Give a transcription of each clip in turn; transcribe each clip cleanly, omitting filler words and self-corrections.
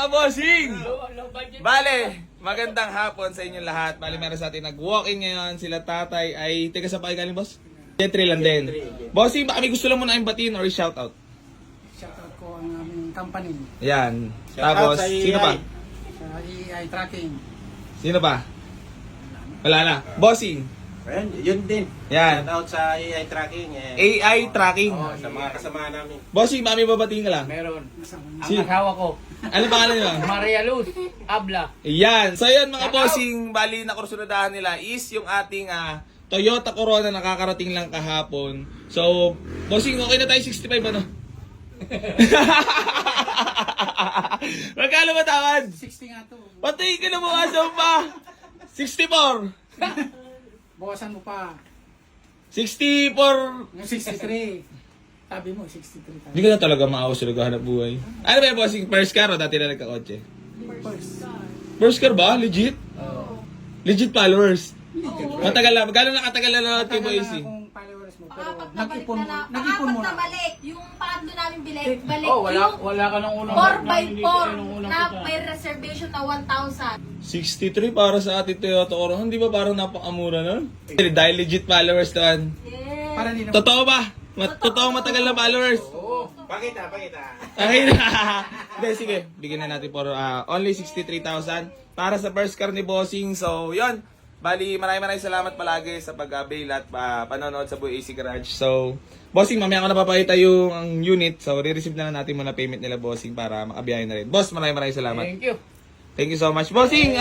mga bossing! Bale, magandang hapon sa inyong lahat. Bale, meron sa atin nag-walk-in ngayon. Sila tatay ay, teka sa pa galing boss? Jetri lang din. Bossing, baka may gusto lang muna batiin or shoutout? Shoutout ko ang aming company Yan. Shoutout Tapos, sa sino pa? sa EI Tracking. Sino pa? Wala na. Bossing. Ayan, yun din. Yan. Shoutout sa AI tracking. AI tracking. Sa mga kasama namin. Bossing, baka may babatiin ka lang. Meron. Ang Si- asawa ko, Ano pangalan nyo? Maria Luz Abla. Yan. So yun mga bossing, bali na kursunadahan nila is yung ating Toyota Corona nakakarating lang kahapon. So, bossing, okay na tayo 65 ano? Magkano ba tawad? 60 nga to. Patay ka na bukasan pa! 64! Bawasan mo pa. 64! Yung 63. Sabi mo, 63 tayo. Hindi ka na talaga maawas sa naghahanap buhay. Ano ba yung bossing? First car o dati na nagkakotse? First. First car ba? Legit? Legit followers? Matagal na. Magkano nakatagal na nanonood kay Matagal Boise? na akong followers mo, pero Paapat na balik nag-ipon na mo. na. Nag-ipon mo Paapat na. na balik. Yung pangatlo namin balik. Oh, wala Yung wala ka nung unang 4x4 nung unang na punta. may reservation na 1,000. 63 para sa ating Toyota Corona. Hindi ba parang napakamura nun? Dahil legit followers naman. Yes. Para hindi na. Totoo ba? Totoong matagal na followers? Pakita. Okay na. Hindi, sige. Bigyan na natin for only 63,000 para sa first car ni Bossing. So, yon. Bali, maraming salamat palagi sa pag-avail at panonood sa Boy AC Garage. So, Bossing, mamaya ko na papakita yung ang unit. So, re-receive na lang natin muna payment nila, Bossing, para makabiyahin na rin. Boss, maraming salamat. Thank you. Thank you so much. Bossing,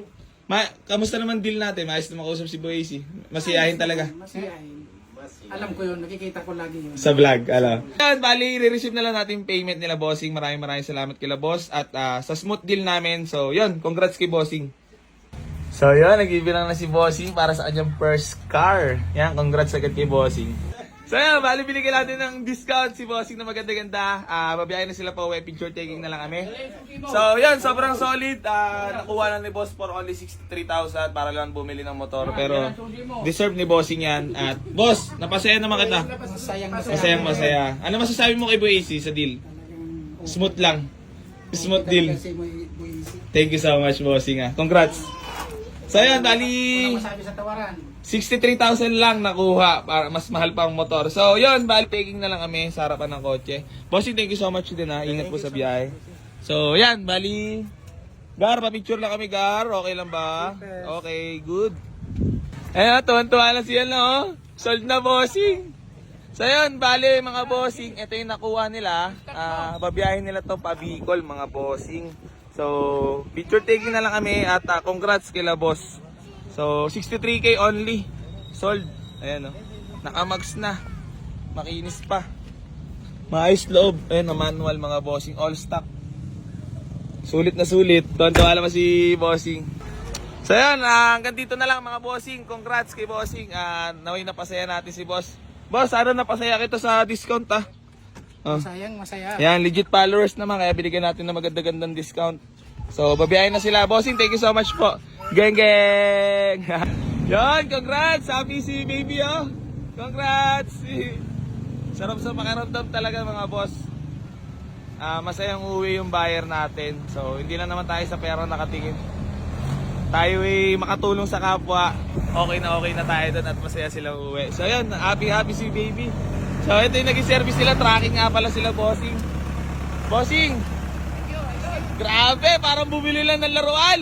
kamusta naman deal natin? Maayos na makausap si Boy AC. Masiyahin talaga. Masiyahin. Alam ko yun, nakikita ko lagi yun. Sa vlog, alam. Yan, bali, re-receive na lang natin payment nila, Bossing. Maraming salamat kila Boss. At sa smooth deal namin. So, yun, congrats kay Bossing. So, yun, nag-ibilang na si Bossing para sa kanyang first car. Yan, congrats agad kay Bossing. So, yun, bali, binigyan natin ng discount si Bossing na maganda-ganda. Babiyahin na sila pa uwi, picture taking na lang kami. So, yun, sobrang solid. Nakuha lang ni Boss for only 63,000 para lang bumili ng motor. Pero, deserve ni Bossing yan. At, Boss, napasaya naman kita. Masayang Masaya. Ano masasabi mo kay Boy AC sa deal? Smooth lang. Smooth deal. Kasi mo buwisi. Thank you so much, Bossing. Congrats. So, yun, bali, Walang masabi sa tawaran. 63,000 lang nakuha. Para mas mahal pa ang motor. So, yun, bali, taking na lang kami sa harapan ng kotse. Bossing, thank you so much din ha. Ingat po sa biyahe. So, yan, bali, Gar, pa-picture lang kami, Gar. Okay lang ba? Okay, good. Ayan, tuwan-tuwa na siya, no? Sold na, Bossing. So, yun, bali, mga Bossing, ito yung nakuha nila. Babiyahin nila to pa Bicol, mga Bossing. So, picture taking na lang kami at congrats kila boss. So, 63k only. Sold. Ayan o. Nakamax na. Makinis pa. Maayos loob. Ayan, manual mga Bossing. All stock. Sulit na sulit. Tuwan-tuwa naman si Bossing. So, ayan. Hanggang dito na lang mga Bossing. Congrats kay Bossing. Naway napasaya natin si boss. Boss, ano napasaya kita sa discount Masaya. Yan, legit followers naman, kaya binigyan natin ng maganda-gandang discount. So, babiyahin na sila. Bossing, thank you so much po. Geng! Yan, congrats! Happy si baby, oh! Congrats! Sarap sa pakiramdam talaga, mga boss. Masayang uwi yung buyer natin. So, hindi lang naman tayo sa pera nakatingin. Tayo ay makatulong sa kapwa. Okay na tayo doon at masaya silang uwi. So, yun, happy si baby. So, ito yung naging service nila. Tracking nga pala sila, Bossing. Bossing! Grabe, parang bumili lang ng laruan.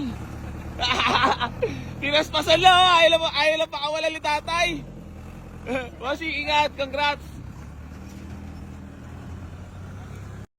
Kinaspasan lang, oh. Ayaw lang pakawala ni tatay. Bossing, ingat. Congrats.